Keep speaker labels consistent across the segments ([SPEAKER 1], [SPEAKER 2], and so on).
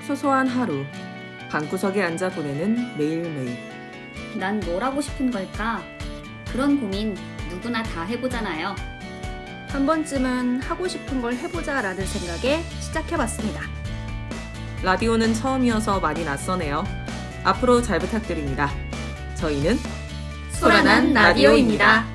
[SPEAKER 1] 소소한 하루, 방구석에 앉아 보내는 매일매일.
[SPEAKER 2] 난 뭘 하고 싶은 걸까? 그런 고민 누구나 다 해보잖아요.
[SPEAKER 3] 한 번쯤은 하고 싶은 걸 해보자 라는 생각에 시작해봤습니다.
[SPEAKER 1] 라디오는 처음이어서 많이 낯서네요. 앞으로 잘 부탁드립니다. 저희는
[SPEAKER 3] 소란한 라디오입니다.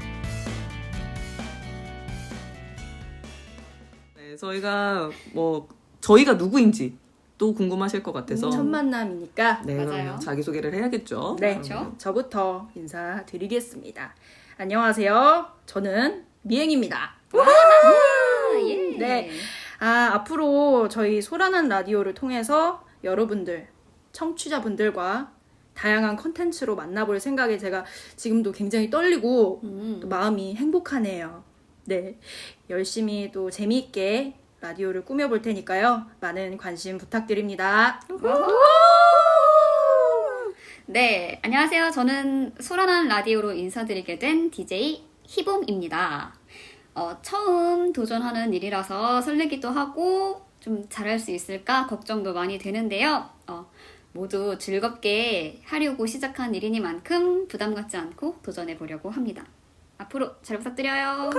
[SPEAKER 1] 네, 저희가 누구인지 또 궁금하실 것 같아서
[SPEAKER 3] 첫 만남이니까
[SPEAKER 1] 네,
[SPEAKER 2] 맞아요.
[SPEAKER 1] 그러면 자기소개를 해야겠죠.
[SPEAKER 3] 네,
[SPEAKER 2] 그렇죠.
[SPEAKER 3] 저부터 인사드리겠습니다. 안녕하세요. 저는 미행입니다.
[SPEAKER 2] 예.
[SPEAKER 3] 네. 앞으로 저희 소란한 라디오를 통해서 여러분들, 청취자분들과 다양한 컨텐츠로 만나볼 생각에 제가 지금도 굉장히 떨리고 또 마음이 행복하네요. 네. 열심히 또 재미있게 라디오를 꾸며볼 테니까요. 많은 관심 부탁드립니다.
[SPEAKER 2] 네, 안녕하세요. 저는 소란한 라디오로 인사드리게 된 DJ 희봄입니다. 처음 도전하는 일이라서 설레기도 하고 좀 잘할 수 있을까 걱정도 많이 되는데요. 모두 즐겁게 하려고 시작한 일이니만큼 부담 갖지 않고 도전해 보려고 합니다. 앞으로 잘 부탁드려요.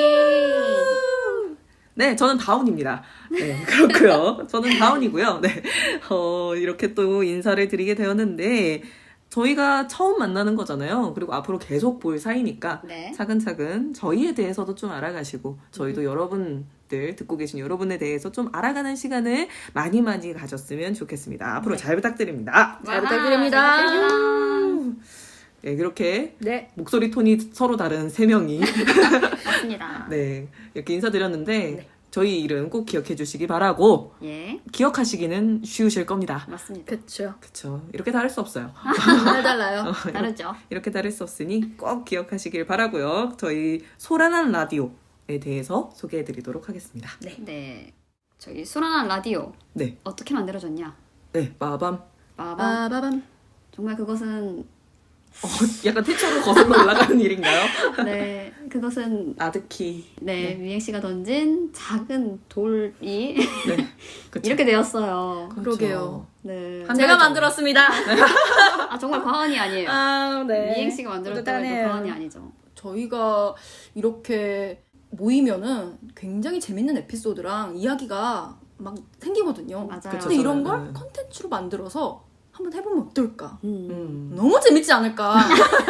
[SPEAKER 2] 예.
[SPEAKER 1] 네, 저는 다운입니다. 네, 그렇고요. 저는 다운이고요. 네, 이렇게 또 인사를 드리게 되었는데 저희가 처음 만나는 거잖아요. 그리고 앞으로 계속 볼 사이니까
[SPEAKER 2] 네.
[SPEAKER 1] 차근차근 저희에 대해서도 좀 알아가시고 저희도 여러분들 듣고 계신 여러분에 대해서 좀 알아가는 시간을 많이 가졌으면 좋겠습니다. 앞으로
[SPEAKER 2] 네.
[SPEAKER 1] 잘 부탁드립니다.
[SPEAKER 3] 잘 부탁드립니다.
[SPEAKER 2] 잘 부탁드립니다.
[SPEAKER 1] 네, 이렇게
[SPEAKER 3] 네.
[SPEAKER 1] 목소리 톤이 서로 다른 세 명이
[SPEAKER 2] 맞습니다.
[SPEAKER 1] 네, 이렇게 인사드렸는데
[SPEAKER 3] 네.
[SPEAKER 1] 저희 이름 꼭 기억해 주시기 바라고
[SPEAKER 2] 예,
[SPEAKER 1] 기억하시기는 쉬우실 겁니다.
[SPEAKER 2] 맞습니다.
[SPEAKER 3] 그쵸.
[SPEAKER 1] 그쵸. 이렇게 다를 수 없어요.
[SPEAKER 3] 잘 달라요.
[SPEAKER 2] 다르죠?
[SPEAKER 1] 이렇게 다를 수 없으니 꼭 기억하시길 바라고요. 저희 소란한 라디오에 대해서 소개해 드리도록 하겠습니다.
[SPEAKER 2] 네. 저희 소란한 라디오
[SPEAKER 1] 네.
[SPEAKER 2] 어떻게 만들어졌냐?
[SPEAKER 1] 네, 마밤.
[SPEAKER 2] 빠밤.
[SPEAKER 3] 빠바밤.
[SPEAKER 2] 정말 그것은
[SPEAKER 1] 약간 태초로 거슬러 올라가는 일인가요?
[SPEAKER 2] 네, 그것은
[SPEAKER 1] 아드키.
[SPEAKER 2] 네, 미행 씨가 던진 작은 돌이
[SPEAKER 1] 네. 그쵸.
[SPEAKER 2] 이렇게 되었어요.
[SPEAKER 1] 그렇죠.
[SPEAKER 3] 그러게요.
[SPEAKER 2] 네.
[SPEAKER 1] 한
[SPEAKER 3] 제가
[SPEAKER 1] 달 전에.
[SPEAKER 3] 만들었습니다.
[SPEAKER 2] 정말 과언이 아니에요.
[SPEAKER 3] 네.
[SPEAKER 2] 미행 씨가 만들었다고 해도
[SPEAKER 3] 뿌듯하네요.
[SPEAKER 2] 과언이 아니죠.
[SPEAKER 3] 저희가 이렇게 모이면은 굉장히 재밌는 에피소드랑 이야기가 막 생기거든요.
[SPEAKER 2] 맞아요.
[SPEAKER 1] 그쵸,
[SPEAKER 3] 근데 이런
[SPEAKER 1] 저는,
[SPEAKER 3] 걸
[SPEAKER 1] 네.
[SPEAKER 3] 컨텐츠로 만들어서 한번 해보면 어떨까?
[SPEAKER 2] 음.
[SPEAKER 3] 너무 재밌지 않을까?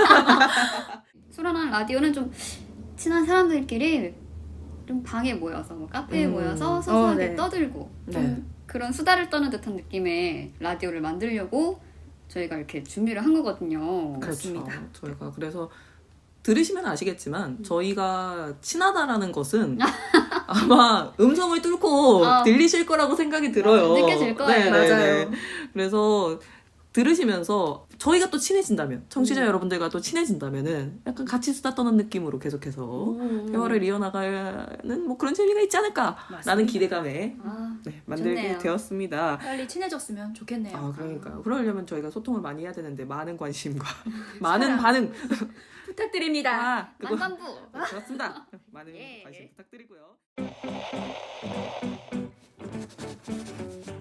[SPEAKER 2] 소란한 라디오는 좀 친한 사람들끼리 좀 방에 모여서 뭐 카페에 모여서 소소하게
[SPEAKER 3] 네.
[SPEAKER 2] 떠들고 좀
[SPEAKER 1] 네.
[SPEAKER 2] 그런 수다를 떠는 듯한 느낌의 라디오를 만들려고 저희가 이렇게 준비를 한 거거든요.
[SPEAKER 3] 그렇습니다.
[SPEAKER 1] 그렇죠. 저희가 그래서 들으시면 아시겠지만 저희가 친하다라는 것은 아마 음성을 뚫고 들리실 거라고 생각이 들어요.
[SPEAKER 2] 느껴질 거예요.
[SPEAKER 3] 맞아요.
[SPEAKER 1] 그래서 들으시면서 저희가 또 친해진다면 청취자
[SPEAKER 2] 음.
[SPEAKER 1] 여러분들과 또 친해진다면은 약간 같이 수다 떠는 느낌으로 계속해서 대화를 이어나가는 뭐 그런 재미가 있지 않을까라는
[SPEAKER 3] 맞습니다.
[SPEAKER 1] 기대감에
[SPEAKER 2] 아,
[SPEAKER 1] 만들게
[SPEAKER 2] 좋네요.
[SPEAKER 1] 되었습니다.
[SPEAKER 3] 빨리 친해졌으면 좋겠네요.
[SPEAKER 1] 아, 그러니까요. 그러려면 저희가 소통을 많이 해야 되는데 많은 관심과 많은 반응
[SPEAKER 3] 부탁드립니다.
[SPEAKER 1] 그거
[SPEAKER 2] 만반부.
[SPEAKER 1] 그렇습니다. 많은
[SPEAKER 2] 예.
[SPEAKER 1] 관심 부탁드리고요.